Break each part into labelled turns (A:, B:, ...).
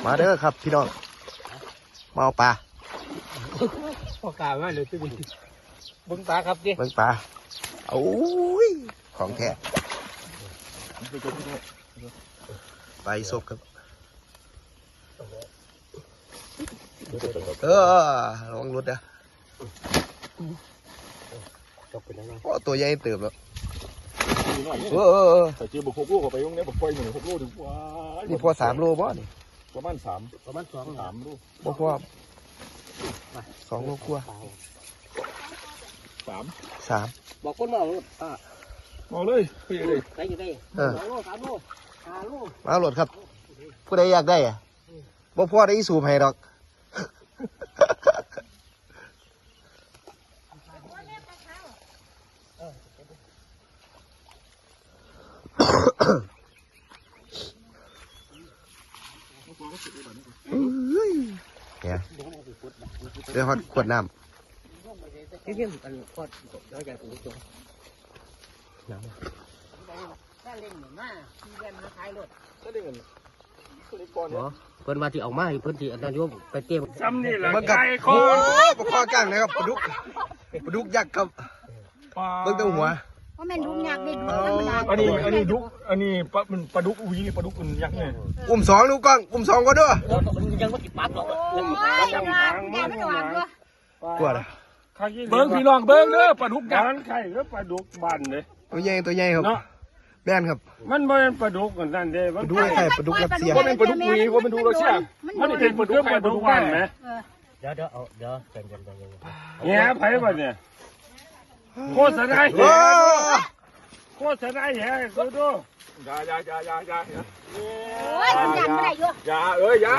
A: มาเด้อครับพี่น้องมาเอาปลา
B: พอกามาเลยที่นี่เบิ้งปลาครับดิ
A: เบิ่งปลาโอ้ยของแท้ไปซบครับระวังรถนะโอ้ตัวใหญ่เติบแล้ว
C: แต่เจอบุก6 โลไปตรงนี้บุกไปหนึ่ง6 โลถึงว้า
A: นี่พอ3 โลบ่นี่
C: ประมาณ3 โล
A: บ่พอ2 โลกว่า3
B: บอกคนมาเอา
C: เอาเลยไปเลย
B: ไปอยู่ได้2 โล 3 โล 5 โล
A: มาโหลดครับผู้ใดอยากได้อะบ่พอได้อีสูบให้ดอกเนี่ยเดี๋ยวขวดน้ำ
B: ที่นี่มันก็แล้วจะถูกจงน้ำถ้าเล่นเหมือนมาที่เล่นมาท้ายรถ
C: ถ้าได้เงิน
B: เพิ่นมาที่ออกมาเพิ่นที่นายกไปเก็บ
C: ซ้ำนี่แหละ
A: ไก่คอปลาคอกลางนะครับปลาดุกยักษ์ครับเบิ่งตัวหัว
D: ว่าแม่นดุกยักษ์ได้ดุกธรรมดา
C: อันนี้ดุกอันนี้ปลาดุกอุ้ยนี่ปลาดุกอุ่นยักษ์เนี่ย
A: 2ลูกกล้อง2ก็ด้วย
B: ยังไม่ติดปั๊บหรอก
A: กลัวเลย
C: เบิ้งพี่น้องเบิ้งเด้อปลาดุกยักษ์ไข่แล้วปลาดุกบันเลย
A: ตัวใหญ่ครับแม่นครับ
C: มันไม่เป็นปลาดุกกันนั่นเด้
A: ปลาดุกไข่ปลาดุกรัสเซีย
C: ว่าเป็นปลาดุกอุ้ยว่าเป็นปลาดุกรัสเซียมันเป็นปลาดุกบันไหม
B: เดี๋ยวใจเย็น
C: แง่ไผ่บ้านเนี่ยโคตรสายโคตรสายแย่ดูอย่า
D: โอ้ยยันไม่ได้อยู่
C: อย่า
D: อย่า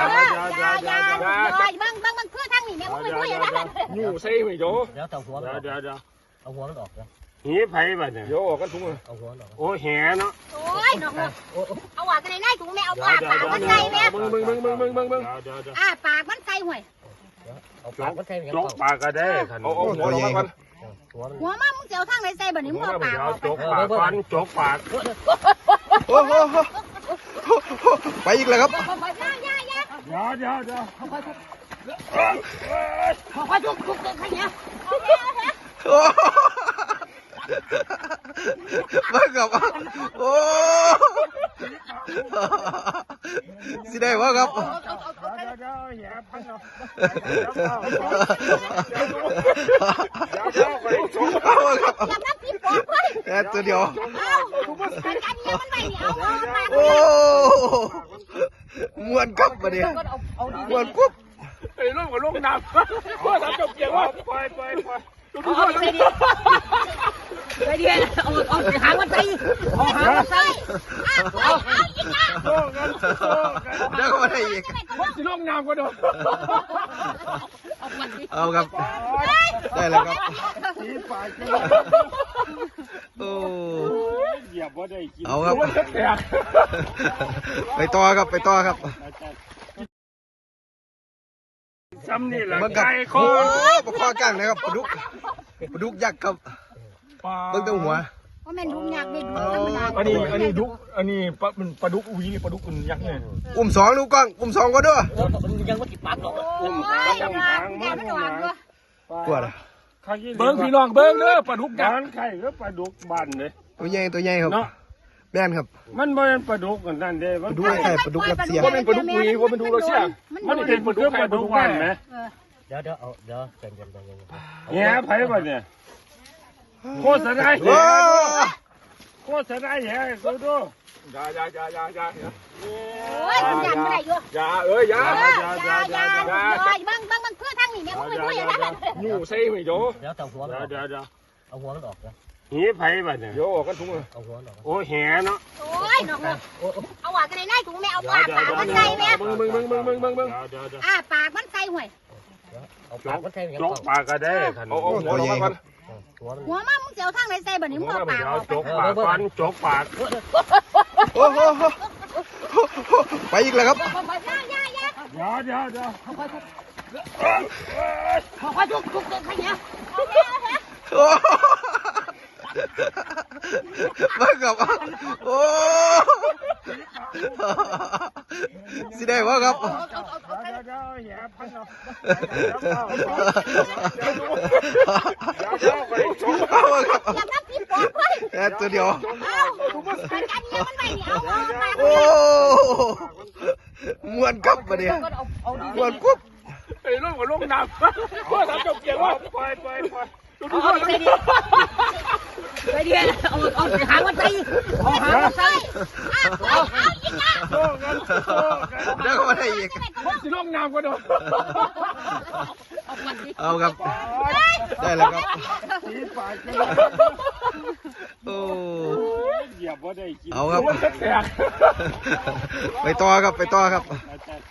D: บังเพื่อทางนี้เนี่ยมึงไม่พูดอย่างนั้น
C: อยู่ใส่ไม่โย
B: เดี๋ยวเอาหัวมันออกนะ
C: หีไผ่บ้านเนี่ยโยออกกันถุง
B: เอาหัวออก
C: โอ้แห่เนาะ
D: โอ้ยน้องเอาหัวกันในถุงแม่เอาปากมันใส่แม่
C: มึง
D: ปากมันใส่ห่วย
B: เอาปากมันใส่
C: จกปากก็ได้เอาหัวลงมาก่อน
D: หัวมามึงเจ้าทางไหนใส่แบบนี้มึงเอาปาก
C: จกปากก่อนจกปาก
A: โอ้โหไปอีกแล้วครับ
C: อย่า
D: ค่อยๆทุกๆให้เนี่ย
A: มากับโอ้สิได้วะครับตัวเดียวโอ้มวนกับมาเนี่ยมวนปุ๊บ
C: ไอ้ลูกกับลูกน้ำพ่อทำจบเกี่ยวว่าไป
D: ไปเดียวเอาหางมันใส่เอาหางมันใส่
A: เดี๋ยวมาได้อีก
C: สิลูกน้ำก็โดน
A: เอาครับได้แล้วครับโอ้เอาครับไปต่อครับ
C: ซ้ำนี่แหละ
A: ไก่คอปลาคอกลางนะครับปลาดุกยักษ์ครับเบิ่งตัวหัว
D: ว่าแม่นดุกยักษ์ได้ดุกธรรมดา
C: อันนี้ดุกอันนี้ปลาดุกอุ้ยนี่ปลาดุกอุ่นยักษ์เนี่ย
A: 2ลูกกล้อง2ก็ด้วย
B: ยังไม่ติดปั๊บหรอก
A: กลัวเลย
C: เบิ้งพี่น้องเบิ้งเด้อปลาดุกยักษ์ไข่แล้วปลาดุกบันเลย
A: ตัวใหญ่ครับแม่นครับ
C: มันไม่เป็นปลาดุกกันนั่นเด้
A: ปลาดุกไข่ปลาดุกรัสเซีย
C: ว่าเป็นปลาดุกอุ้ยว่าเป็นปลาดุกรัสเซียมันเป็นปลาดุกบันไหม
B: เดี๋ยวใจเย็น
C: แง่ไผ่บ้านเนี่ยโคตรสายแย่ดูอย่า
D: โอ้ยยันไม่ได้อยู่
C: อย่า
D: บังเพื่อทางนี้เนี่ยมึงไม่พูดอย่างนั้น
C: อยู่ใส่ไม่โย
B: เดี๋ยวเอาหัวมันออกนะ
C: หีไผ่บ้านเนี่ยโยออกกันถุง
B: เอาหัวออก
C: โอ้แห่เนาะ
D: โอ้ยน้องเอาหัวกันในถุงแม่เอาปากมันใส่แม่
C: มึง
D: ปากมันใส่ห่วย
B: เอาปากมันใส่
C: จกปากก็ได้เอาหัวลงมาก่อน
D: หัวมามึงเจ้าทางไหนใส่แบบนี้มึงเอาปาก
C: จกปากก่อนจกปาก
A: โอ้โหไปอีกแล้วครับ
C: อย่า
D: ค่อยๆทุกๆให้เนี่ย
A: มากับโอ้สิได้บ่ครับ
C: เดี๋ยวแย่พันเนาะไปชม
A: เอาครับ
D: อย่าทับพี่ปอกไว้
A: แค่ตัวเดียว
D: แต่การเงี้ยมันไม่เหนียวเอามา
A: โอ้มวนครับมาเนี่ยมวนกุ๊บ
C: ไอ้ลูกกับลูกน้ำพ่อทำจบเกี่ยวว่าไปดู
D: เอาไปดีไปดีเอาหางมันไปเอาหางมันไปเอาอีกนะ
C: โซ่กันโซ่กัน
A: เดี๋ยวก็มาได้อีก
C: สิลูกน้ำก็โดน
A: เอาครับ ได้แล้วครับ
C: สีปากกัน
A: โอ้
C: เหยียบว่าได้กิน
A: เอาครับ
C: แตก
A: ไปต่อครับไปต่อครับ
C: อาจารย์